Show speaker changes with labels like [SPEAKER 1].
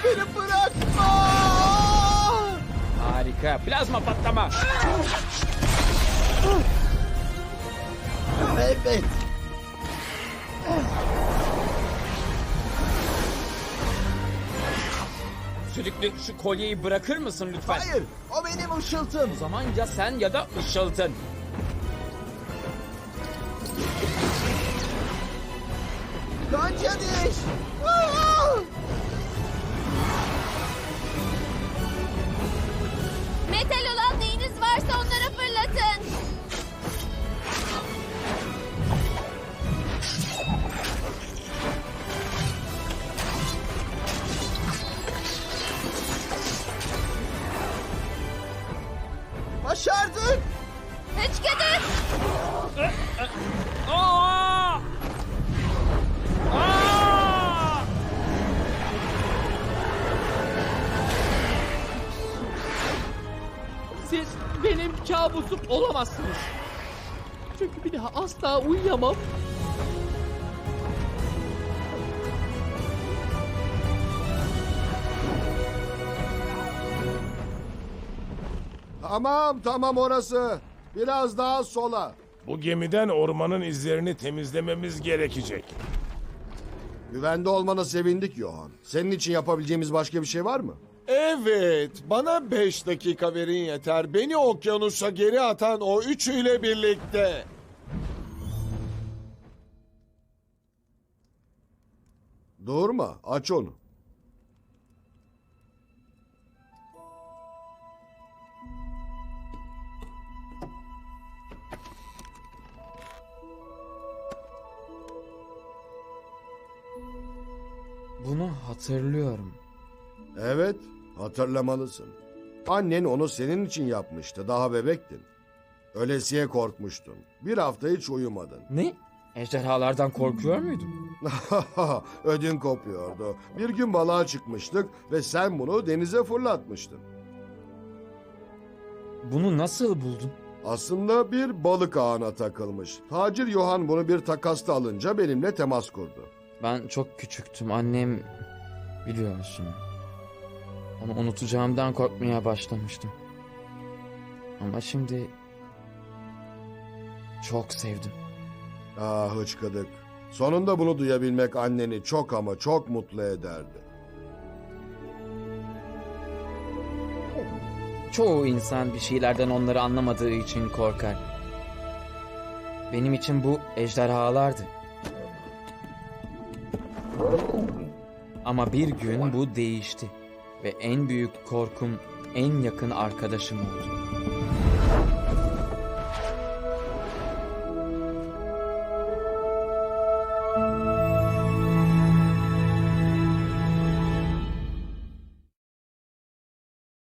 [SPEAKER 1] Beni bırakma!
[SPEAKER 2] Harika. Plazma patlama.
[SPEAKER 1] Evet.
[SPEAKER 2] Sürekli şu kolyeyi bırakır mısın lütfen?
[SPEAKER 1] Hayır, o benim ışıltım.
[SPEAKER 2] O zaman ya sen ya da ışıltın.
[SPEAKER 1] Gonca diş! Aa!
[SPEAKER 3] Metal olan neyiniz varsa onlara fırlatın.
[SPEAKER 1] Başardık!
[SPEAKER 3] Hıçkıdık!
[SPEAKER 2] Aa! Aa!
[SPEAKER 4] Siz benim kabusum olamazsınız. Çünkü bir daha asla uyuyamam.
[SPEAKER 1] Tamam orası. Biraz daha sola.
[SPEAKER 5] Bu gemiden ormanın izlerini temizlememiz gerekecek.
[SPEAKER 1] Güvende olmana sevindik Johan. Senin için yapabileceğimiz başka bir şey var mı?
[SPEAKER 6] Evet, bana 5 dakika verin yeter. Beni okyanusa geri atan o üçüyle birlikte.
[SPEAKER 1] Durma, aç onu.
[SPEAKER 2] Bunu hatırlıyorum.
[SPEAKER 1] Evet, hatırlamalısın. Annen onu senin için yapmıştı, daha bebektin. Ölesiye korkmuştun. Bir hafta hiç uyumadın.
[SPEAKER 2] Ne? Ejderhalardan korkuyor muydun?
[SPEAKER 1] Ödün kopuyordu. Bir gün balığa çıkmıştık ve sen bunu denize fırlatmıştın.
[SPEAKER 2] Bunu nasıl buldun?
[SPEAKER 1] Aslında bir balık ağına takılmış. Tacir Johan bunu bir takasta alınca benimle temas kurdu.
[SPEAKER 2] Ben çok küçüktüm. Annem biliyorsun. Onu unutacağımdan korkmaya başlamıştım. Ama şimdi çok sevdim.
[SPEAKER 1] Ah hıçkıdık. Sonunda bunu duyabilmek anneni çok ama çok mutlu ederdi.
[SPEAKER 2] Çoğu insan bir şeylerden onları anlamadığı için korkar. Benim için bu ejderhalardı. Ama bir gün bu değişti ve en büyük korkum en yakın arkadaşım oldu.